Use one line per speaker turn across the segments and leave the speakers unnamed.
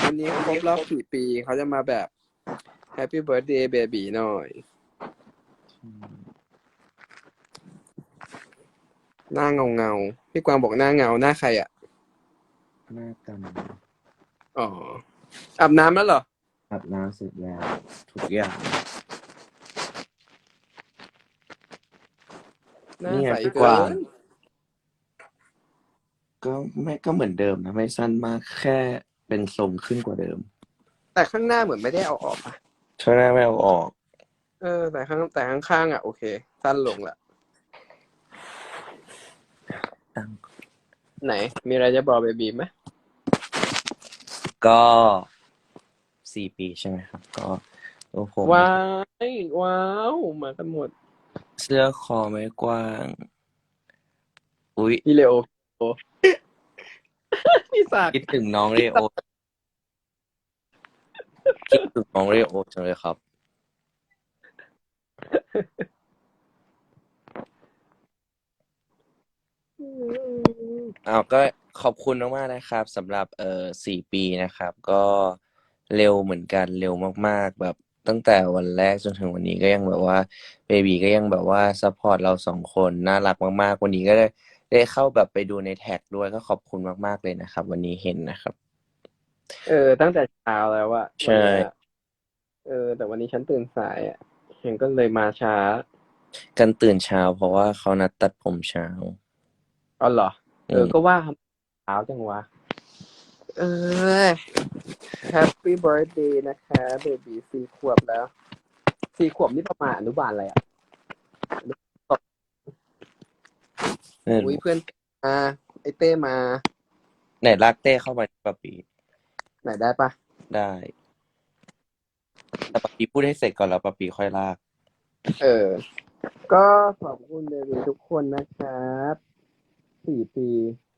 วันนี้ครบรอบ4 ปีเขาจะมาแบบ Happy Birthday Baby หน่อย หน้าเงาพี่กวางบอกหน้าเงาหน้าใครอ่ะ
หน้ากัน
อ๋ออาบน้ำแล้วเหรอ
อาบน้ำเสร็จแล้วทุกอย่าง
หน้า
นี่ไง
ใส
พี่ก
เกิ
วาง
น
ก็เหมือนเดิมนะไม่สั้นมากแค่เป็นทรงขึ้นกว่าเดิม
แต่ข้างหน้าเหมือนไม่ได้เอาออกอ่ะ
ช่วงหน้าไม่เอาออก
แต่ข้างๆอ่ะโอเค สั้นลงละ ไหน มีอะไรจะบอกเบบีไหม
ก็4 ปีใช่ไหมครับ ก็ตัวผม
ว้าวมากันหมด
เสื้อคอไม่กว้าง อุ๊ย
พี่เลโอพี่สาก
คิดถึงน้องเรโอคิดถึงน้องเรโอจังเลยครับ ก็ขอบคุณมากๆนะครับสำหรับ4 ปีนะครับ ก็เร็วเหมือนกันเร็วมากๆแบบตั้งแต่วันแรกจนถึงวันนี้ก็ยังแบบว่าเบบีก็ยังแบบว่าซัพพอร์ตเรา2 คนน่ารักมากๆวันนี้ก็ได้เข้าแบบไปดูในแท็กด้วยก็ขอบคุณมากๆเลยนะครับ วันนี้เห็นนะครับ
ตั้งแต่เช้าแล้วอะ
ใช่
วันเนี้ยแต่วันนี้ฉันตื่นสายอะฉันก็เลยมาช้า
กันตื่นเช้าเพราะว่าเขานัดตัดผมเช้า
อ๋อเหรอ
ม
ก็ว่าทำเช้าจังวะ Happy Birthday นะคะเบบี4 ขวบแล้ว4 ขวบนี่ประมาณอนุบาลอะไรอ่ะ
ไม่
อุ้ย
รู้
เพื่อนมาไอเต้มา
ไหนลากเต้เข้ามาปะปี
ไหนได้ปะ
ได้ แต่ปะปีพูดให้เสร็จก่อนแล้วปะปีค่อยลาก
ก็ขอบคุณเบบีทุกคนนะครับ4 ปี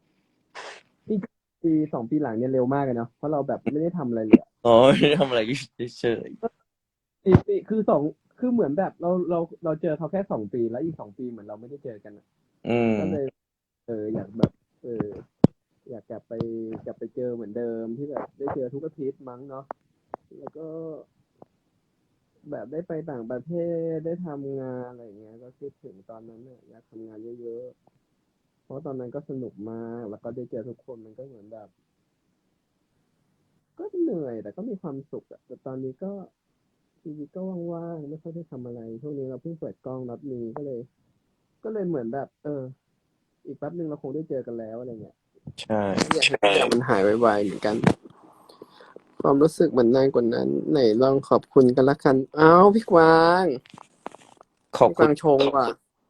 2 ปีหลังเนี่ยเร็วมากเลยเนาะเพราะเราแบบไม่ได้ทำอะไรเลยอะ
อ๋อไม่ได้ทำอะไรเฉย
4 ปีคือเหมือนแบบเราเจอเขาแค่2 ปีแล้วอีก2 ปีเหมือนเราไม่ได้เจอกันอะ
ๆอืม
ก็เลยอยากแบบอยากกลับไปเจอเหมือนเดิมที่แบบได้เจอทุกอาทิตย์มั้งเนาะแล้วก็แบบได้ไปต่างประเทศได้ทำงานอะไรอย่างเงี้ยก็คิดถึงตอนนั้นเนี่ยอยากทำงานเยอะๆเพราะตอนนั้นก็สนุกมากแล้วก็ได้เจอทุกคนมันก็เหมือนแบบก็เหนื่อยแต่ก็มีความสุขอะแต่ตอนนี้ก็ชีวิตก็ว่างๆไม่ค่อยได้ทำอะไรช่วงนี้เราเพิ่งเปิดกล้องนัดมีก็เลยเหมือนแบบอีกแป๊บนึงเราคงได้เจอกันแล้วอะไรเงี้ย
ใช่
อยากให้ทุกอย่างมันหายไวๆเหมือนกัน ความรู้สึกมันนานกว่านั้นไหนลองขอบคุณกันละกันอ้าวพี่กวาง
ขอบ
พี่ก
คุณ
วางชงว่ะ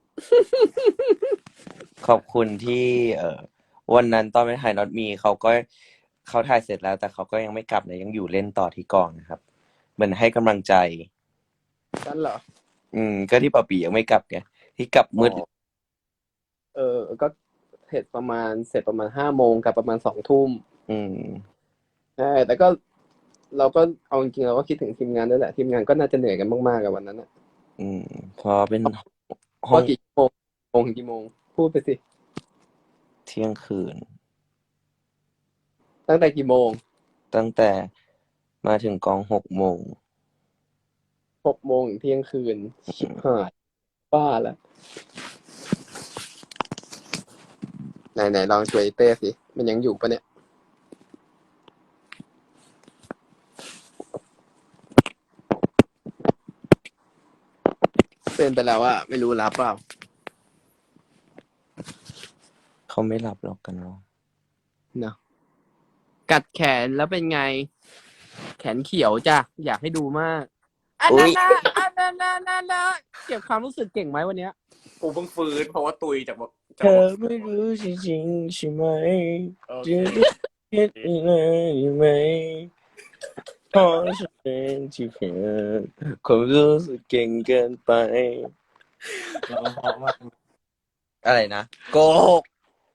ขอบคุณที่วันนั้นตอนไปถ่ายน็อตมีเขาถ่ายเสร็จแล้ว แต่เขาก็ยังไม่กลับนะยังอยู่เล่นต่อที่กองนะครับเหมือนให้กำลังใจ
นั่นเหรอ
ก็ที่ปะปียังไม่กลับไงที่กลับมืด
ก็เสร็จประมาณ5 โมงกับประมาณ2 ทุ่ม ใช่แต่ก็เราก็เอาจริงๆเราก็คิดถึงทีมงานด้วยแหละทีมงานก็น่าจะเหนื่อยกันมากๆกับวันนั้นอ่ะ
พอเป็นห้
ก็
อง
กี่โมงถึงกี่โมงพูดไปสิ
เที่ยงคืน
ตั้งแต่กี่โมง
ตั้งแต่มาถึงกอง6 โมง
6 โมงถึงเที่ยงคืนชิบหายบ้าละไหนลองช่วยเต้สิมันยังอยู่ปะเนี่ยเป็นไปแล้วอะไม่รู้รับเปล่า
เขาไม่หลับหรอกกันเนาะ
เนาะกัดแขนแล้วเป็นไง แขนเขียวจ้ะอยากให้ดูมากอันนั้นนะเก็บความรู้สึกเก่งไหมวันเนี้ยกูเพิ่งฟื้นเพราะว่าตุยจาก
เธอไม่รู้จริงๆใช่ไหมจะเห็นอะไรไหมเพราะฉันเป็นที่เกิดความรู้สึกเก่งเกินไป
เราเพราะมาก
อะไรนะโกหก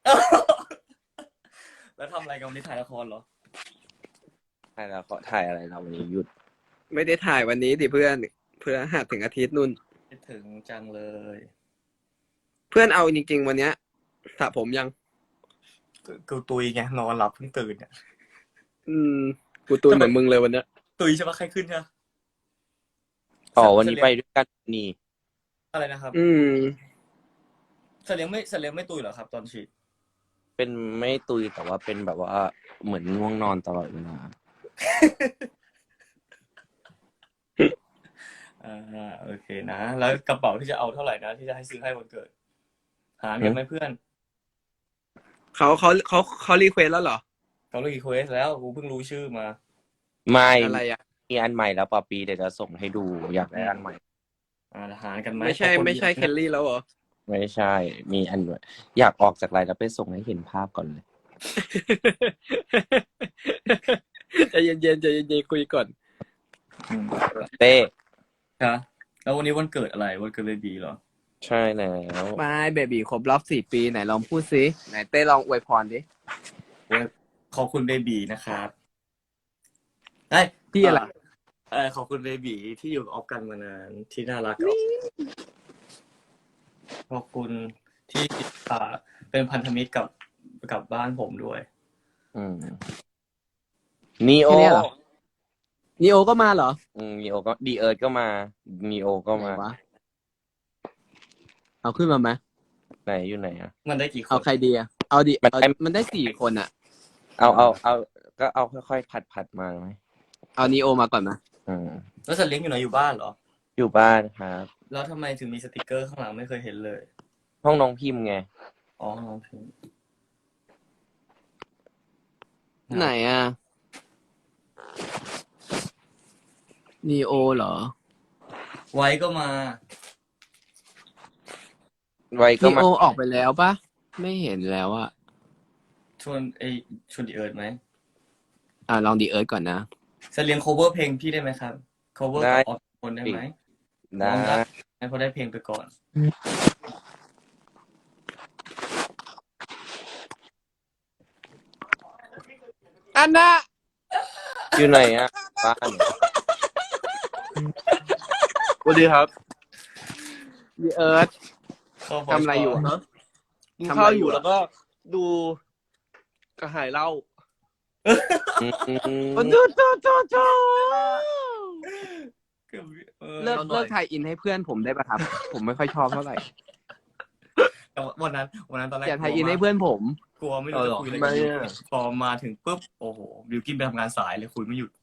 แล้วทำอะไรกันวันนี้ถ่ายละครเหรอ
ถ่ายแล้วเขาถ่ายอะไรเราวันนี้หยุด
ไม่ได้ถ่ายวันนี้ดิเพื่อนหัดถึงอาทิตย์นุ่น
คิดถึงจังเลย
เพื่อนเอาจริงๆวันเนี้ยสระผมยัง
กูตุยไงนอนหลับเพิ่งตื่นเนี่ย
อืมกูตูนเหมือนมึงเลยวันเนี้ย
ตุยใช่ปะใครขึ้นใช่ปะ
อ๋อวันนี้ไปด้วยกันนี่
อะไรนะครับ สัตว์เลี้ยงไม่ตุยเหรอครับ ตอนฉีด
เป็นไม่ตุยแต่ว่าเป็นแบบว่าเหมือนง่วงนอนตลอดเวลา
โอเคนะ แล้วกระเป๋าที่จะเอาเท่าไหร่นะที่จะให้ซื้อให้วันเกิด หาเงินไหมเพื่อน
เขารีเควสแล้วเหรอ
เขารีเควสแล้วกูเพิ่งรู้ชื่อมา
ไม่
อะไรอ่ะ
มีอันใหม่แล้วปอปีเดี๋ยวจะส่งให้ดูอยากได้อันใหม่
หารกันไหม
ไม่ใช่เคลลี่แล้วเหรอ
ไม่ใช่ มีอันใหม่อยากออกจากไลน์แล้วไปส่งให้เห็นภาพก่อนเลย
ใจเย็นคุยก่อน
อืม
เต้
ครับแล้ววันนี้วันเกิดอะไรวันเกิดเบบีเหรอ
ใช่แล้ว
ไม่เบบีครบรอบ4 ปีไหนลองพูดซิไหนเต้ลองอวยพรดิ
ขอบคุณเบบีนะครับเอ้ย
พี่อะไร
ขอบคุณเบบีที่อยู่กับออฟกันมานานที่น่ารักกับออฟขอบคุณที่เป็นพันธมิตรกับบ้านผมด้วย
นีโอ
แค่เนี้ยเหรอ นีโอก็มาเหรอ
นีโอก็ดีเอิร์ดก็มานีโอก็มา
ไหนวะเอาขึ้นมาไหม
ไหนอยู่ไหนอ่ะ
มันได้กี่คน
เอาใครดีอะเอาดิ
มันได้
มันได้4 คนอ่ะ
เอาก็เอาค่อยๆผัดมาไหม
เอานีโอมาก่อนนะ
แล้วสัตว์เลี้ยงอยู่ไหนอยู่บ้านเหรอ
อยู่บ้านครับ
แล้วทำไมถึงมีสติกเกอร์ข้างหลังไม่เคยเห็นเลย
ห้องน้องพิมพ์ไง
อ๋อน้องพิมพ์
ไหนอ่ะนีโอเหรอ
ไว้ก็มา
ไว้ก็
นี
มา
โอออกไปแล้วปะไม่เห็นแล้วอะ
ชวนดีเอิร์ดไหม
ลองดีเอิร์ธก่อนนะ
สัตว์เลี้ยง cover เพลงพี่ได้ไหมครับ cover กับออฟคนได้ไหม
ได้
ลองได้ให้เขาได้เพลงไปก่อน
อันน่ะ
อยู่ไหนอ่ะบ้าน
สวัสดีครับ
ดีเอิร์ธ
เข้า
ทำอะไรอยู่อะ
กิน
ทำอะไร
ข้าวอ
อยู่
ยู่
อะ
แล้วก็ดูกระหายเหล้า
โอ้โถเลิกไทยอินให้เพื่อนผมได้ปะครับ ผมไม่ค่อยชอบเท่าไหร่
แต่วันนั้นตอนแรก
อย่าไทยอินให้เพื่อนผม
กลัวไม่รู้จะคุยอะไร
ไม่
กัน
อะ
พอมาถึงปุ๊บโอ้โหบิวกินไปทำงานสายเลยคุยไม่หยุด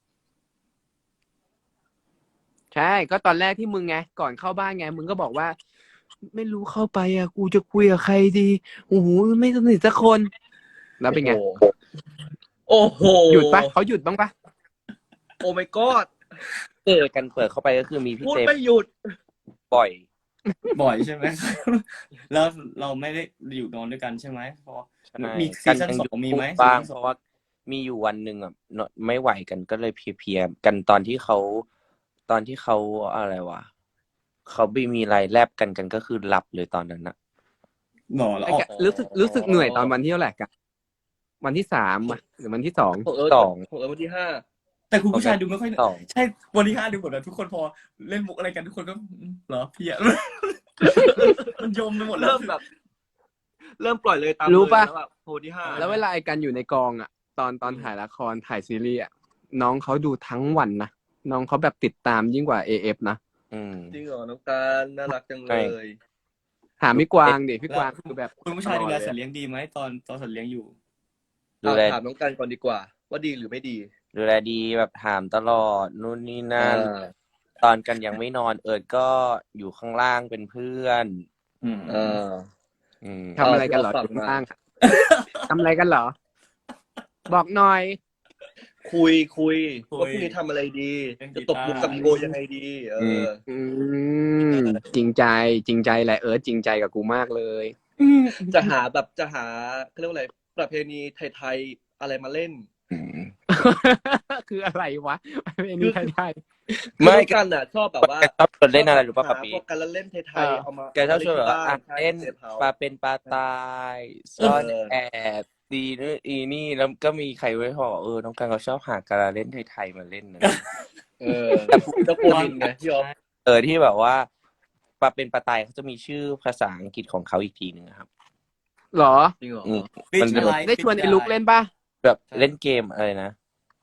ใช่ก็ตอนแรกที่มึงไงก่อนเข้าบ้านไงมึงก็บอกว่า ไม่รู้เข้าไปอ่ะกูจะคุยกับใครดีโอ้โหไม่สนิทสักคน แล้วเป็นไง
โอ้โห
หยุดปะเขาหยุดบ้างปะ
โอ้ my god
เจอกันเปิดเข้าไปก็คือมีพี่
พูด
เจม
ไม่หยุด
บ่อย
บ่อยใช่ไหม แล้วเราไม่ได้อยู่นอนด้วยกันใช่ไหมเพราะมีซี
กัน
ซั่น
ยัง
ส
อ
อยู่ งมีไหม
บ้าง
ซีซั่น
เพ
สอง
ราะว่ามีอยู่วันหนึ่งอ่ะไม่ไหวกันก็เลยเพลียๆกันตอนที่เขาอะไรวะเขาไม่มีอะไรแลบกันก็คือหลับเลยตอนนั้นนะ
หนอแล้ว
ไอ้
ออก
กะรู้สึกเหนื่อยตอนวันที่เท่าไหร่กันวันที่3อะหรือวันที่2
ของเอิร์ธ
สอง
ของเอิร์ธวันที่5
แต่คุณผู้ชายดูไม่ค่อย
สอง
ใช่วันที่ 5ดูเหมือนแบบทุกคนพอเล่นมุกอะไรกันทุกคนก็เหรอพี่อะ มันยมไปหมดแล้ว
เริ่มแบบ เริ่มปล่อยเลยตาม
รู้ปะ
เลยแล้วแบบวันที่5
แล้วเวลาไอ้กันอยู่ในกองอ่ะ ตอนถ่ายละครถ่ายซีรีส์อ่ะน้องเขาดูทั้งวันนะน้องเขาแบบติดตามยิ่งกว่า AF นะ
จริงเหรอน้องการน่ารักจังเลย
ถามพี่กวางดิพี่กวางคือแบบ
คุณผู้ชายดูแลสัตว์เลี้ยงดีไหมตอนสัตว์เลี้ยงอยู่
ดูแล
ถามน้องการก่อนดีกว่า ว่าดีหรือไม่ดี
ดูแลดีแบบถามตลอดนู่นนี่นั่น
อ่า
ตอนกันยังไม่นอนเอิร์ดก็อยู่ข้างล่างเป็นเพื่อน
อ่า
ทำอะไรกันเหรอ
เอา
อยู่
มา
ข้างล่างอะทำอะไรกันเหรอ บอกหน่อย
คุย
คุย
ว่าพรุ่งนี้ทำอะไรดี
เล่นกี
จะ
ตาร์
ตบมุกกับโกยังไงดี
อืมจริงใจแหละเอิร์ธจริงใจกับกูมากเลย
จะหาเขาเรียกว่าอะไรประเพณีไทยๆอะไรมาเล่น
คืออะไรวะไม่นี่ไทย
ไม่
คือน้องกันน่ะชอบแบบว่า
ชอบชวนเล่นอะไรรู้ป่ะ
หา
ปะปี
พวกการเล่นไทยๆเอามา
แกชอบชวนแบบว่า
ที่บ้
เล่น
ใช่
ปลาเป็นปลาตายซ่อนแอบดีนู่นอีนี่แล้วก็มีใครไว้พอน้องกันเขาชอบหาการเล่นไทยๆมาเล่นนะ
แต่เจ้าโปนินไงพี่อ๊อฟ
ที่แบบว่าปลาเป็นปลาตายเขาจะมีชื่อภาษาอังกฤษของเขาอีกทีหนึ่งครับ
ๆหรอ
จริงเหรอ
อืม
ฟิช
มันเป็น
อะไร
ได้ชวนไอ้ลุกเล่นป่ะ
แบบเล่นเกมอะไรนะ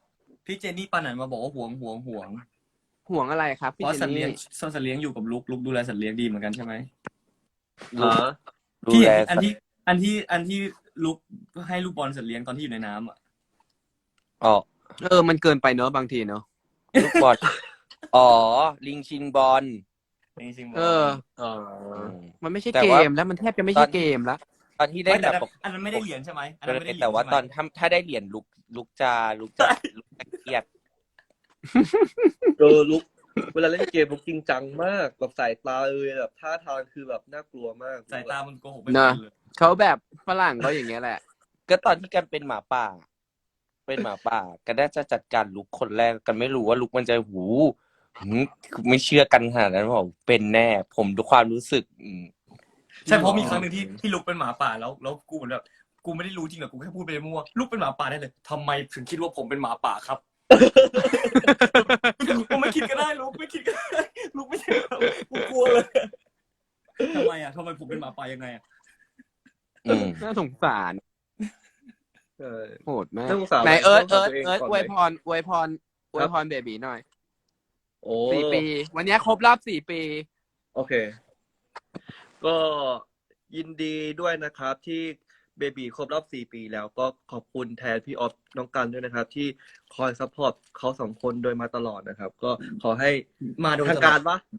พี่เจนนี่ปานันมาบอกว่าห่วง
ห่วงอะไรครับ
เพ
พี่
ราะ
เจน
สัตว์เลี้ยง
นี่
สัตว์เลี้ยงอยู่กับลุกดูแลสัตว์เลี้ยงดีเหมือนกันใช่ไหม
ลูก
ฮะ
ดู
พี่
แล
อัน
สัตว์
ที่ลุกให้ลูกบอลสัตว์เลี้ยงตอนที่อยู่ในน้ำอ่ะ
อ๋อ
มันเกินไปเนอะบางทีเนอะ
ลูกบอลอ๋อ ลิงชิงบอล
จริงๆ
อ๋อ มันไม่ใช่
แต่
เก
ว่า
มแล้วมันแทบจะไม่ใช่เกมแล้ว
ตอนที่
ไม่
เล่น
แต่
แบบ
อันนั้นไม่ได้เหรียญใช่ไหมอันนั้นไม่ได้เหรียญ
แต่ว่า
ใช่ไหม
ตอนถ้าได้เหรียญลุกจะเครียด
ลุกเวลาเล่นเกมลุกจริงจังมากแบบสายตาแบบท่าทางคือแบบน่ากลัวมาก
สายตามันโกหกไป
นะ
หมดเลย
เขาแบบฝรั่งเขาอย่างเงี้ยแหละ
ก็ตอนที่กันเป็นหมาป่า กันน่าจะจัดการลุกคนแรกกันไม่รู้ว่าลุกมันจะไม่เชื่อกันขนาดนั้นบอกเป็นแน่ ผมดูความรู้สึก
ใช่เพราะมีครั้งหนึ่งที่ลุกเป็นหมาป่าแล้วกูเหมือนแบบกูไม่ได้รู้จริงหรอกกูแค่พูดไปมั่วลุกเป็นหมาป่าได้เลยทำไมถึงคิดว่าผมเป็นหมาป่าครับ กูไม่คิดก็ได้ลุกไม่คิดก็ได้ลุกไม่ใช่เรากูกลัวเลยทำไมผมเป็นหมาป่ายังไงอ่ะ
น่าสงสาร
ใช่
โหดมาก
น่าสงสาร
ไหนเอิร์ธอวยพ
ก่อน
รเบบีหน่อย
โอ้
4 ปี วันนี้ครบรอบ 4 ปี
โอเค ก็ยินดีด้วยนะครับที่เบบีครบรอบ4 ปีแล้วก็ขอบคุณแทนพี่ออฟน้องกันด้วยนะครับ ที่คอยซัพพอร์ตเขา2 คนโดยมาตลอดนะครับ ก็ขอให้
มาโดย
ทางการปะ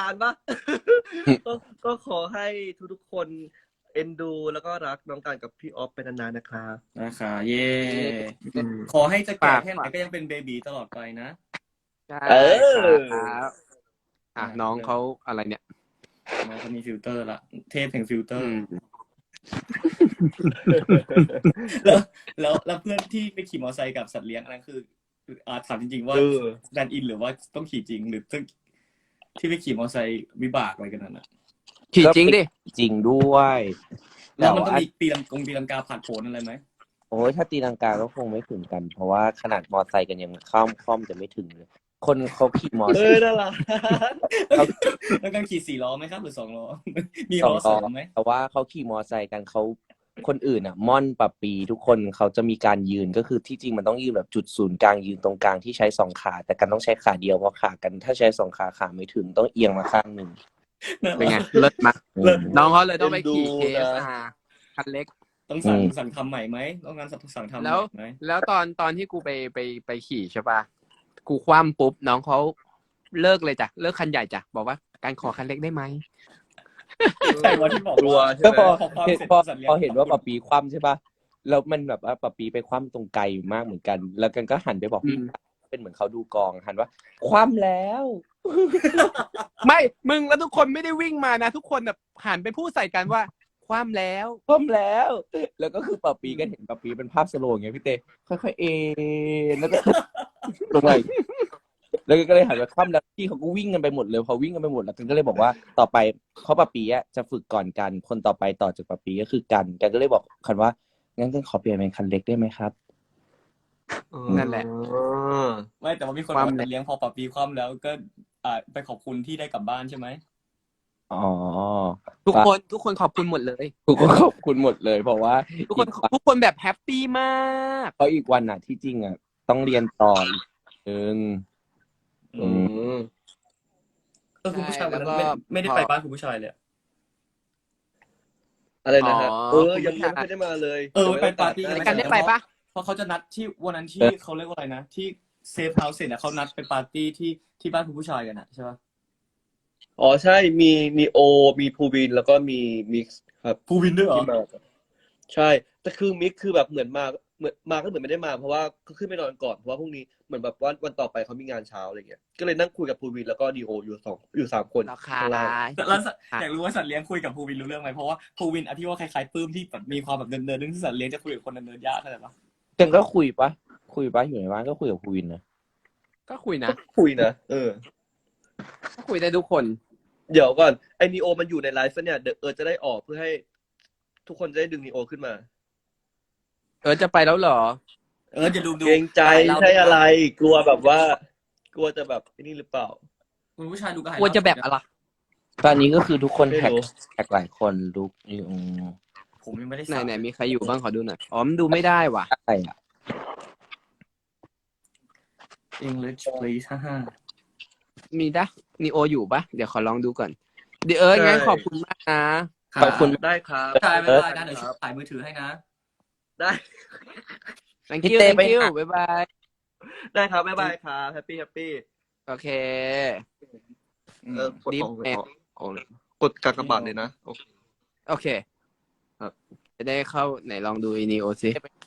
ก็ขอให้ทุกๆคนเอ็นดู แล้วก็รักน้องกันกับพี่ออฟเป็นนานๆนะครับ
นะคะเย่ขอให้จะแก่แค่ไหนก็ยังเป็นเบบีตลอดไปนะ
ใช่
เออ
ครับน้องเขาอะไรเนี่ย
น้องเขามีฟิลเตอร์ละเทพแห่งฟิลเตอร์ แล้วเพื่อนที่ไปขี่มอเตอร์ไซค์กับสัตว์เลี้ยงอันนั้นคือถามจริงๆว่าแดนอินหรือว่าต้องขี่จริงหรือที่ไปขี่มอเตอร์ไซค์วิบากอะไรกันนั่นน่ะ
ขี่จริงดิ
จริงด้วย
แล้วมันต้องมีตีลังกาผ่านโผล่อะไรไหม
โอ้ยถ้าตีลังกาก็คงไม่ถึงกัน เพราะว่าขนาดมอไซค์กันยังคล่อมจะไม่ถึงเลย คนเขาขี่มอไซค์
น่ารัก
แล้วการขี่4 ล้อไหมครับหรือ2 ล้อ มี
ส
ล้
อ
อง
ต่อ
2ไหม
แต่ว่าเขาขี่มอไซค์กันเขาคนอื่นอ่ะม่อนปะปีทุกคนเขาจะมีการยืนก็คือที่จริงมันต้องยืนแบบจุดศูนย์กลางยืนตรงกลางที่ใช้2 ขา แต่กันต้องใช้ขาเดียวเพราะขากันถ้าใช้2 ขาไม่ถึงต้องเอียงมาข้างหนึ่ง
เป็นไง เลิศมาก
เลิศ
น้องเขาเลยต้องไปขี่
เอ็นดูนะ
KSR คันเล็ก
ต้องสั่งทำใหม่ไหมต้องการสั่งทำให
แล้ว
ม่ไหม
แล้วตอนที่กูไปขี่ใช่ปะกูคว่ำปุ๊บน้องเขาเลิกเลยจ้ะเลิกคันใหญ่จ้ะบอกว่าการขอคันเล็กได้ไหม
ใช่วันที่บอก
กลัว
ว่า
ใช่
ก็
ไหม
พอเห็นว่าปะปีคว่ำใช่ปะแล้วมันแบบว่าปะปีไปคว่ำตรงไกลมากเหมือนกัน แล้วกันก็หันไปบอกพี่เป็นเหมือนเขาดูกองหันว่า คว่ำแล้ว
ไม่มึงแล้วทุกคนไม่ได้วิ่งมานะ ทุกคนแบบหันไปพูดใส่กันว่าคว่ำแล้ว
คว่ำแล้ว แล้วก็คือปะปีก็เห็นปะปีเป็นภาพสโลว์อย่างเงี้ยพี่เต้ค่อยๆเอ็นแล้วก็ ลงไปแล้วก็เลยหันไปคว่ำแล้วพี่เขาก็วิ่งกันไปหมดเลยพอวิ่งกันไปหมดแล้วกันก็เลยบอกว่าต่อไปเขาปะปีอะจะฝึกก่อนกันคนต่อไปต่อจากปะปีก็คือกันก็เลยบอกคันว่างั้นกันขอเปลี่ยนเป็นคันเล็กได้ไหมครับ
นั่นแหละ
ไม่แต่ว่ามีคนบอกว่าเลี้ยงพอปรับปีความแล้วก็ไปขอบคุณที่ได้กลับบ้านใช่ไหม
อ๋อ
ทุกคนขอบคุณหมดเลย
ทุกคนขอบคุณหมดเลยเพราะว่า
ทุกคนแบบแฮปปี้มาก
เพราะอีกวันน่ะที่จริงอ่ะต้องเรียนต่ออีกนึง
คุณผู้ชายวันนั้นไม่ได้ไปบ้านคุณผู้ชายเลย
อะไรนะฮะยังไม่ได้มาเลย
ไปปาร์ตี้
กันได้ไปปะ
เพราะเขาจะนัดที่วันนั้นที่เขาเรียกว่าอะไรนะที่เซฟเฮาส์เสร็จเขานัดไปปาร์ตี้ที่บ้านคุณผู้ชายกันนะใช่ปะ
อ๋อใช่มีโอมีภูวินแล้วก็มีมิกซ์ครับ
ภูวินด้วยเหรอ
ที่มาใช่แต่คือมิกซ์คือแบบเหมือนมาก็เหมือนไม่ได้มาเพราะว่าก็ขึ้นไปนอนก่อนเพราะว่าพรุ่งนี้เหมือนแบบวันต่อไปเขามีงานเช้าอะไรเงี้ยก็เลยนั่งคุยกับภูวินแล้วก็ดีโออยู่3 คน
ราคา
ข้างล่าง
แล้วอยากรู้ว่าสัตว์เลี้ยงคุยกับภูวินรู้เรื่องไหมเพราะว่าภูวินที่ว่าคล้ายๆปื้มที่แบบมีความแบบเนินๆนึงที่สัตว์เลี้ยงจะคุยกับคนเนินๆยากเข้าใจปะ
กันก็คุยปะอยู่ในบ้านก็คุยกับภูวินนะ
ก็คุยนะ
คุยนะ
ก็คุยได้ทุกคน
เดี๋ยวก่อนไอ้นีโอมันอยู่ในไลฟ์เนี่ยเดี๋ยวจะได้ออกเพื่อให้ทุกคนจะได้ดึงนีโอขึ้นมา
จะไปแล้วเหรอ
จะดู
เกรงใจใช่อะไรกลัวแบบว่ากลัวจะแบบนี่หรือเปล่า
คุณผู้ชายดูก็หาย
กลัวจะแบบอะไร
ตอนนี้ก็คือทุกคน
ไม่รู้
แท็กหลายคนลุกอยู่
ผมยังไม่ได้
ไหนมีใครอยู่บ้างขอดูหน่อยอ๋อมันดูไม่ได้ว่ะ
อะไรอ่ะ
English please ฮ่า
มีดะนีโออยู่ปะเดี๋ยวขอลองดูก่อนเดี๋ยวงั้นขอบคุณมากนะ
ๆ
ขอบคุณ
ได้ครับ
ถ่ายบ๊ายบายนะเดี๋ยวถ่ายมือถือให้นะ
ได้
thank
พี่
you
เต้
thank
ไป
you
หา
บ๊ายบาย
ได้ครับบ๊ายบายครับแฮปปี้
โอเค
กด
รีบ
ของ
แม่
กดกากบาทเลยนะโอเค
โอเค
ครับ
จะได้เข้าไหนลองดูอีนีโอซิ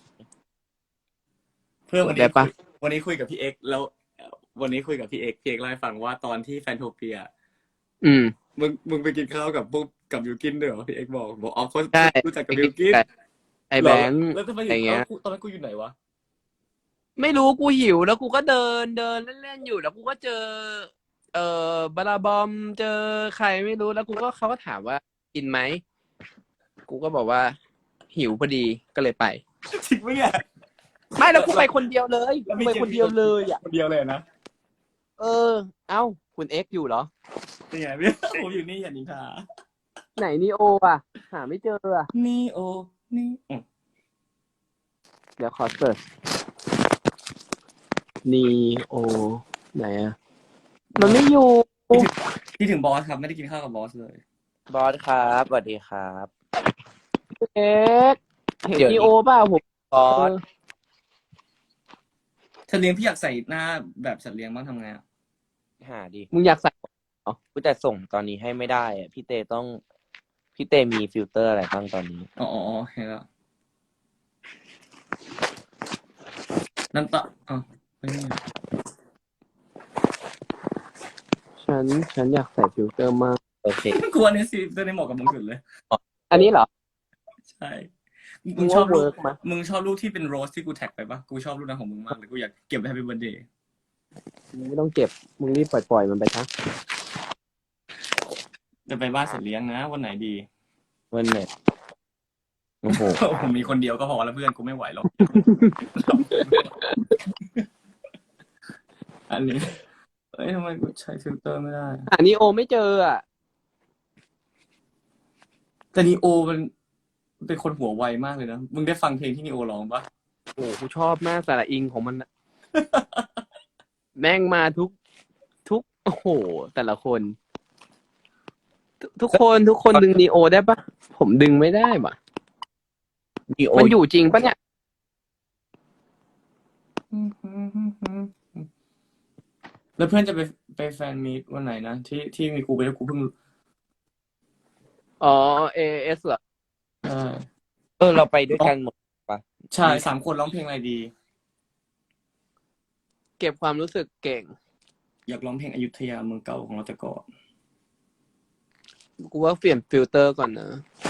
เพื่อนวัน
ได้
นี้
ปะ
วันนี้คุยกับพี่เอ็กซ์แล้ววันนี้คุยกับพี่เอ็กซ์เล่าให้ฟังว่าตอนที่แฟนโทเปีย
อืม
มึงไปกินข้าวกับพวกกับยูกินด้วยเหรอพี่เอ็กซ์บอกอ๋อเขา
ใช่
รู้จักกับยูกิน
ไอแบงค์
แล้วทำไม
อะไรเงี้ย
ตอนนั้นกูอยู่ไหนวะ
ไม่รู้กูหิวแล้วกูก็เดินเล่นๆอยู่แล้วกูก็เจอ บาราบอมเจอใครไม่รู้แล้วเขาก็ถามว่ากินไหมกูก็บอกว่า หิวพอดีก็เลยไป
จริงปะเนี่ย
ไม่แล้วกูไปคนเดียวเลย
แล้ว
กู
ไม่
ไป
เจอ
คนเดียวเลยอ่ะ
คนเดียวเลยนะ
เอ้าคุณเอ็กซ์อยู่เหรอ
เป็นไงพี่ ผมอยู่นี่อย่านินทา
ไหนนีโออ่ะ หาไม่เจออ่ะ
นี่โอนี่
เดี๋ยวขอเสิร์ชนีโอไหนอ่ะ มันไม่อยู่
ที่ถึงบอสครับไม่ได้กินข้าวกับบอสเลย
บอสครับสวัสดีครับ
เอ็กซ์เห็น
เดี๋ยว
นีโอเปล่าผม
บอส
สัตว์เลี้ยงพี่อยากใส่หน้าแบบสัตว์เลี้ยงบ้างทำไงอ่ะ
หาดิ
มึงอยากใส่
กูแต่ส่งตอนนี้ให้ไม่ได้อะพี่เต้มีฟิลเตอร์อะไรบ้างตอนนี้
อ๋อเห็นแล้วนั่นตะอ๋อไม่ใช่
ฉันอยากใส่ฟิลเตอร์มาก
โอเค
กลัวเนี่ยสิตัวนี้เหมาะกับมึงสุดเลย
อันนี้เหรอ
ใช่
มึงว่าเวิร์กไหม
มึงชอบรูปที่เป็นโรสที่กูแท็กไปปะกูชอบรูปนั้นของมึงมากเลยกูอยากเก็บไว้ให้เป็นวันเดย์
มึงไม่ต้องเก็บ มึงรีบปล่อยมันไปซะ
จะไปบ้านสัตว์เลี้ยงนะวันไหนดี
วันไหนโอ้โห
ผมมีคนเดียวก็พอแล้วเพื่อนกูไม่ไหวหรอก อันนี้เอ้ยทำไมกูใช้ฟิลเตอร์ไม่ได้
หานีโอไม่เจออ่ะ
แต่นีโอมันเป็นคนหัวไวมากเลยนะมึงได้ฟังเพลงที่นีโอร้องปะ
โอ้กูชอบมากสาระอิงของมันน่ะ แม่งมาทุก โอ้โห แต่ละคน ทุกคนดึงนีโอได้ปะผมดึงไม่ได้ปะ
นีโอ
มันอยู่จริงปะเนี่ย
แล้วเพื่อนจะไปแฟนมีตวันไหนนะที่มีกูไปแล้วกูเพิ่ง
อ๋อ AS เหรอ
เราไปด้วยกันหมด
ใช่3 คนร้องเพลงอะไรดี
เก็บความรู้สึกเก่ง
อยากร้องเพลงอยุธยาเมืองเก่าของเราแต่ก่อน
กูว่าเปลี่ยนฟิลเตอร์ก่อนนะ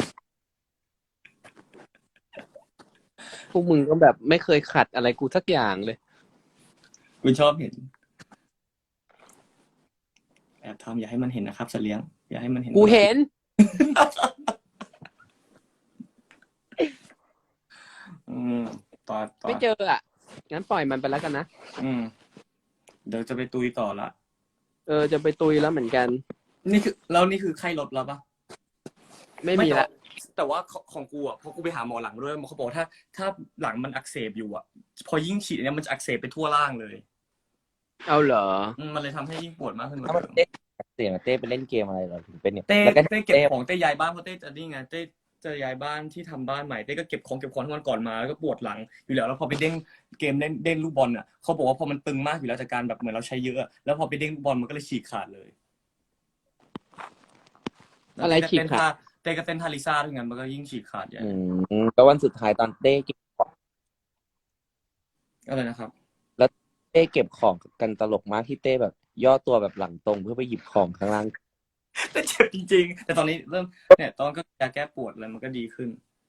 พวกมึงก็แบบไม่เคยขัดอะไรกูสักอย่างเลย
กูชอบเห็นแอบทำอย่าให้มันเห็นนะครับสัตว์เลี้ยงอย่าให้มันเห็น
กูเห็น
ต่อ
ไม่เจออ่ะ งั้นปล่อยมันไปแล้วกันนะ
เดี๋ยวจะไปตุยต่อละ
จะไปตุยแล้วเหมือนกัน
นี่คือไข้ลดแล้วปะ
ไม่มีละ
แต่ว่าของกูอ่ะพอกูไปหาหมอหลังด้วยเขาบอกถ้าหลังมันอักเสบอยู่อ่ะ พอยิ่งฉีดเนี่ยมันจะอักเสบไปทั่วร่างเลย
เอาเหรอ
มันเลยทำให้ยิ่งปวดมากขึ้นกว่า
ถ้ามัน
เดิม
เสียงเต้ไปเล่นเกมอะไรเหรอถึงเป็นเนี่ย
เต้
แล้วก็
เก็บของเต้ย้ายบ้านเพราะเต้จะนี่ไงเต้จะย้ายบ้านที่ทำบ้านใหม่เต้ก็เก็บของทั้งวันก่อนมาแล้วก็ปวดหลังอยู่แล้วพอไปเด้งเกมเด้งลูกบอลอ่ะเขาบอกว่าพอมันตึงมากอยู่แล้วจากการแบบเหมือนเราใช้เยอะแล้วพอไปเด้งลูกบอลมันก็เลยฉีกขาดเลย
อะไรฉีกขาด
เต้ก็เต้นทาริซ่าด้วยงั้นมันก็ยิ่งฉีกขาดใหญ่
แล้ววันสุดท้ายตอนเต้เก็บ
อะไรนะครับ
เต้เก็บของกันตลกมากที่เต้แบบย่อตัวแบบหลังตรงเพื่อไปหยิบของข้างล่าง
แต่เจ็บจริงๆแต่ตอนนี้เริ่มเนี่ยตอนก็ยาแก้ปวดอะไรมันก็ดีขึ้น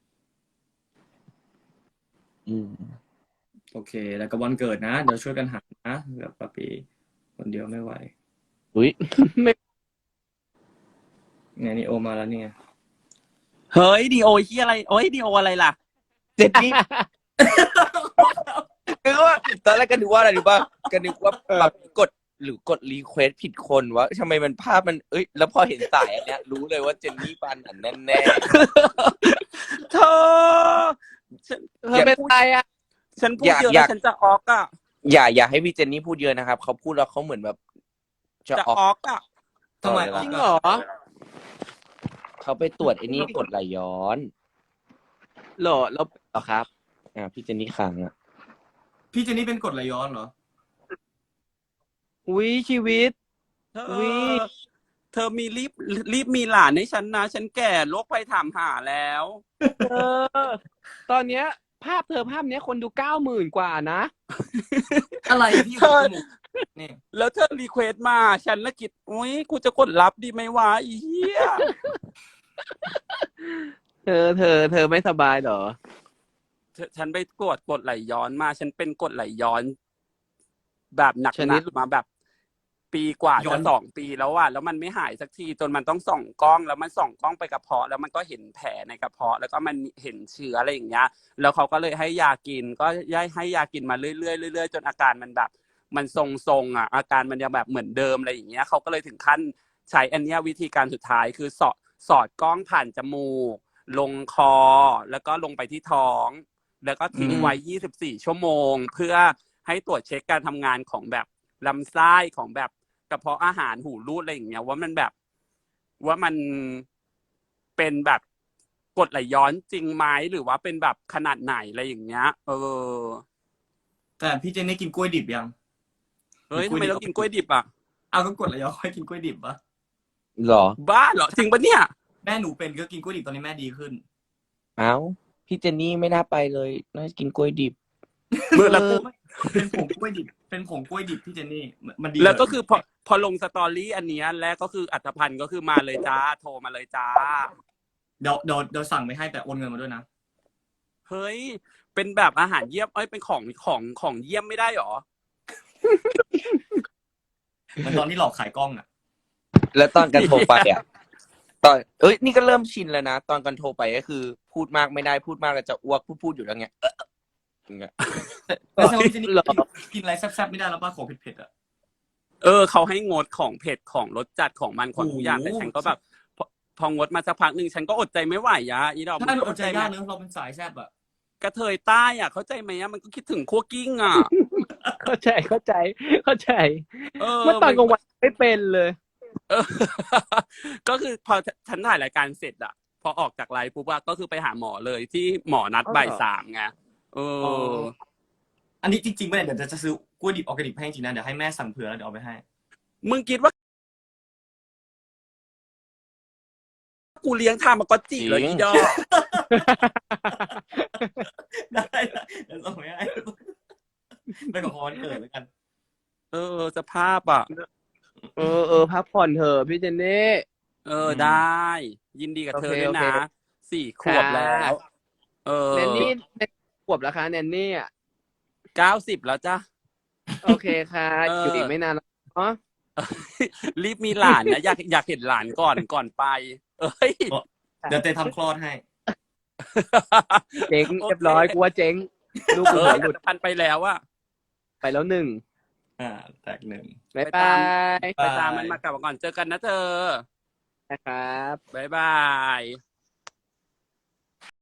โอเค แล้วก็วันเกิดนะเดี๋ยวช่วยกันหานะแบบปะปีคนเดียวไม่ไหว
อุ้ย
เนี่ยนี่โอมาแล้วเนี่ย
เฮ้ยดีโอที่อะไรโอ้ยดีโออะไรล่ะ
เจ็ดนี่ คือว่าตอนแรกก็นึกว่าอะไรรู้ป่ะก็นึกว่าแบบกดรีเควสผิดคนวะทำไมมันภาพมันแล้วพอเห็นสายอันเนี้ยรู้เลยว่าเจนนี่ปานอันแน่
เธอฉัน
เธอเป็นใครอ่ะ
ฉันพูดเยอะแล้วฉันจะออกอ่ะ
ๆอย่าให้พี่เจนนี่พูดเยอะนะครับเขาพูดแล้วเขาเหมือนแบบจะ
จะ
ออก
ออกอ่ะ
ทำไม
ตลอดเวลา
ออก
จริง
อะ
เหรอ
เขาไปตรวจไอ้นี่กรดไหลย้อน
เหรอแล้ว
เหรอครับพี่เจนนี่ค้างอ่ะ
พี่เจนนี่เป็นกรดไหลย้อนเหรอ
อุ้ยชีวิต
เธอ
อุ๊ย
เธอมีรีบมีหลานให้ฉันนะ ฉันแก่โรคภัยถามหาแล้ว
เออ ตอนเนี้ย ภาพเนี้ยคนดู 90,000 กว่านะ
อะไรพี่อยู่กับจมูกนี่
แล้วเธอรีเควสต์มาฉันละคิดอุ้ยกูจะกดรับดีไหมวะอีเหี้ย
เธอไม่สบายเหรอ
ฉันไปตรวจกรดไหลย้อนมา ฉันเป็นกรดไหลย้อน แบบหนัก
ชนิด
ๆมาแบบ ปีกว่า
ย้อ
จะ
น
2 ปีแล้วอะแล้วมันไม่หายสักทีจนมันต้องส่องกล้องแล้วมันส่องกล้องไปกระเพาะแล้วมันก็เห็นแผลในกระเพาะแล้วก็มันเห็นเชื้ออะไรอย่างเงี้ย แล้วเขาก็เลยให้ยากินก็ให้ยากินมาเรื่อยๆเรื่อยๆจนอาการมันแบบ มันทรงๆอาการมันยังแบบเหมือนเดิมอะไรอย่างเงี้ยเขาก็เลยถึงขั้นใช้อันเนี้ยวิธีการสุดท้ายคือสอดกล้องผ่านจมูก ลงคอแล้วก็ลงไปที่ท้อง แล้วก็ทิ้งไว้24 ชั่วโมง เพื่อให้ตรวจเช็คการทำงานของแบบลำไส้ของแบบกระเพาะอาหารหูรูดอะไรอย่างเงี้ยว่ามันแบบว่ามันเป็นแบบกรดไหลย้อนจริงไหมหรือว่าเป็นแบบขนาดไหนอะไรอย่างเงี้ย
แต่พี่เจนนี่กินกล้วยดิบยัง
เฮ้ยทำไมเรากินกล้วยดิบอ่ะ
เอาก็กรดไหลย้อนค่อยกินกล้วยดิบปะ
หรอ
บ้าเหรอจริงปะเนี่ย
แม่หนูเป็นก็กินกล้วยดิบตอนนี้แม่ดีขึ้น
เอ้าพี่เจนนี่ไม่น่าไปเลยน่าจะกินกล้วยดิบ
แล้วกู
เป็นผงกล้วยดิบ เป็นผงกล้วยดิบพี่เจนนี่มันดี
แล้วก็
เหร
คือพอลงสตอรี่อันเนี้ยแล้วก็คืออัตภัณฑ์ก็คือมาเลยจ้าโทรมาเลยจ้า
เดี๋ยวสั่งไปให้แต่โอนเงินมาด้วยนะ
เฮ้ยเป็นแบบอาหารเยี่ยมเอ้ยเป็นของเยี่ยมไม่ได้หรอ
เหมือนตอนที่หลอกขายกล้องอ่ะ
แล้วตอนกันโทรไปอ่ะนี่ก็เริ่มชินแล้วนะตอนกันโทรไปก็คือ พูดมากไม่ได้พูดมากแล้วจะอ้วกพูดอยู่แล้วไงอย่างเงี้ย
แต่แสดงว่าพี่เจนนี่กินอะไรแซ่บๆไม่ได้แล้วป่ะของเผ็ดๆอ่ะ
เขาให้งดของเผ็ดของรสจัดของมันของทุกอย่าง
โอ้โห
แต่ฉันก็แบบพองดมาสักพักหนึ่งฉันก็อดใจไม่ไหวอะอีดอก
ถ้ามันอดใจยาก
ไหม
เนอะเราเป็นสายแซ่บอ่ะ
กระเทยใต้อ่ะเข้าใจไหมอะมันก็คิดถึงคั่วกิ้งอ่ะ
เข้าใจ เมื่อ
เ
ตอนกลางวันไม่เป็นเลย
เออ ก็คือพอฉันถ่ายรายการเสร็จอะพอออกจากไลฟ์ปุ๊บอะก็คือไปหาหมอเลยที่หมอนัด
อ๋อเหรอ
บ่าย 3ไง
อันนี้จริงๆไม่ได้เดี๋ยวจะซื้อกล้วยดิบออร์แกนิกให้จริงนะเดี๋ยวให้แม่สั่งเผื่อแล้วเดี๋ยวเอาไปให้
มึงคิดว่ากูเลี้ยงทามากอตจิเลยอีดอก
ได้เดี๋ยวส่งไปให้ไปของวันเกิดแล้วกัน
สภาพอ่ะ
พักผ่อนเถอะพี่เจนนี่
ได้ ยินดีกับเธอด้วย
โอเค
นะ4 ขวบแล้ว
แนนนี่ขวบแล้วคะแนนนี่อ่ะ
90แล้วจ้ะ
โอเคค่ะ อยู่อีกไม่นานแล้วเนาะ
รีบมีหลานนะอยากเห็นหลานก่อนไป เอ้ย
เดี๋ยวเตทำคลอดให้
เจ๊งเรียบร้อยกูว่าเจ๊งลูกกูหัวหลุด
พันไปแล้วอะ
ไปแล้ว1
แตกหนึ่ง
บ๊าย
ไป
บา
ตาม
ย
ไปตามมันมากลับมาก่อนเจอกันนะเธอ
นะครับ
บ๊ายบาย